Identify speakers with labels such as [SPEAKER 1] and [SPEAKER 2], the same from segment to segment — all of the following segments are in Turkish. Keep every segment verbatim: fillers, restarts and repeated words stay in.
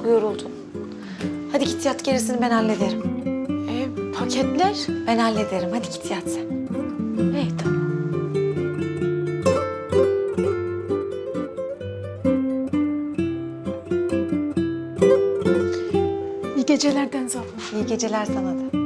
[SPEAKER 1] çok yoruldun. Hadi git yat, gerisini ben hallederim.
[SPEAKER 2] E, paketler?
[SPEAKER 1] Ben hallederim. Hadi git yat sen.
[SPEAKER 2] İyi tamam. İyi geceler Deniz abla.
[SPEAKER 1] İyi geceler sana da.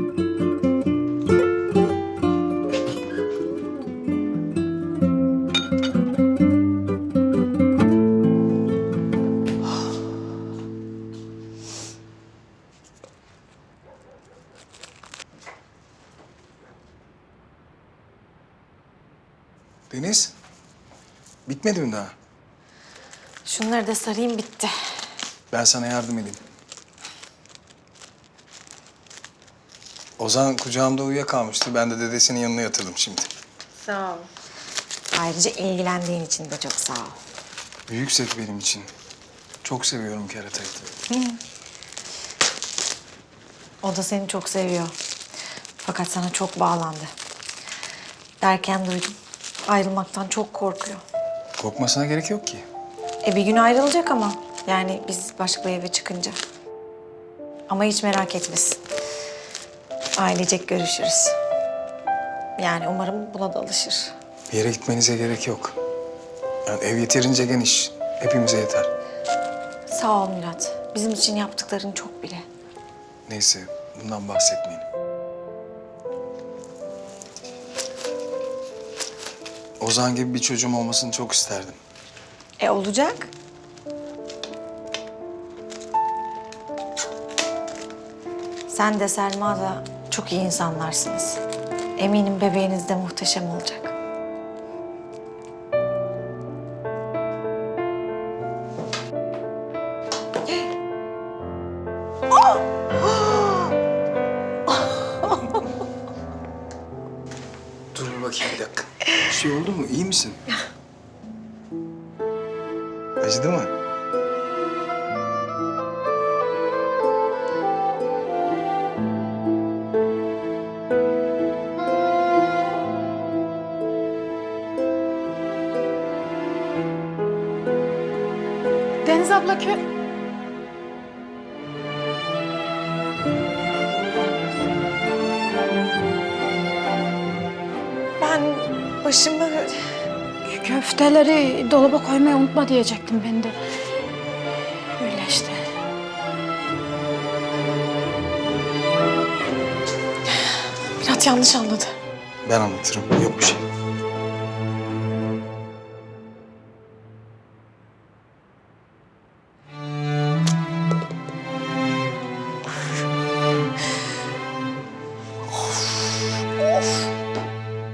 [SPEAKER 3] Deniz, bitmedi mi daha?
[SPEAKER 1] Şunları da sarayım, bitti.
[SPEAKER 3] Ben sana yardım edeyim. Ozan kucağımda uyuyakalmıştı. Ben de dedesinin yanına yatırdım şimdi.
[SPEAKER 1] Sağ ol. Ayrıca ilgilendiğin için de çok sağ ol.
[SPEAKER 3] Büyük zevk benim için. Çok seviyorum keratayı.
[SPEAKER 1] O da seni çok seviyor. Fakat sana çok bağlandı. Derken duydum. Ayrılmaktan çok korkuyor.
[SPEAKER 3] Korkmasına gerek yok ki.
[SPEAKER 1] E bir gün ayrılacak ama. Yani biz başka bir eve çıkınca. Ama hiç merak etmesin. Ailecek görüşürüz. Yani umarım buna da alışır.
[SPEAKER 3] Bir yere gitmenize gerek yok. Yani ev yeterince geniş. Hepimize yeter.
[SPEAKER 1] Sağ ol Murat. Bizim için yaptıkların çok bile.
[SPEAKER 3] Neyse, bundan bahsetmeyin. Ozan gibi bir çocuğum olmasını çok isterdim.
[SPEAKER 1] E olacak. Sen de Selma da çok iyi insanlarsınız. Eminim bebeğiniz de muhteşem olacak.
[SPEAKER 3] Dur bir bakayım bir dakika. Bir şey oldu mu? İyi misin? Acıdı mı?
[SPEAKER 2] Deniz abla kö...
[SPEAKER 1] Ben başımı...
[SPEAKER 2] Köfteleri dolaba koymayı unutma diyecektim ben de. Öyle işte.
[SPEAKER 1] Murat yanlış anladı.
[SPEAKER 3] Ben anlatırım. Yok bir şey.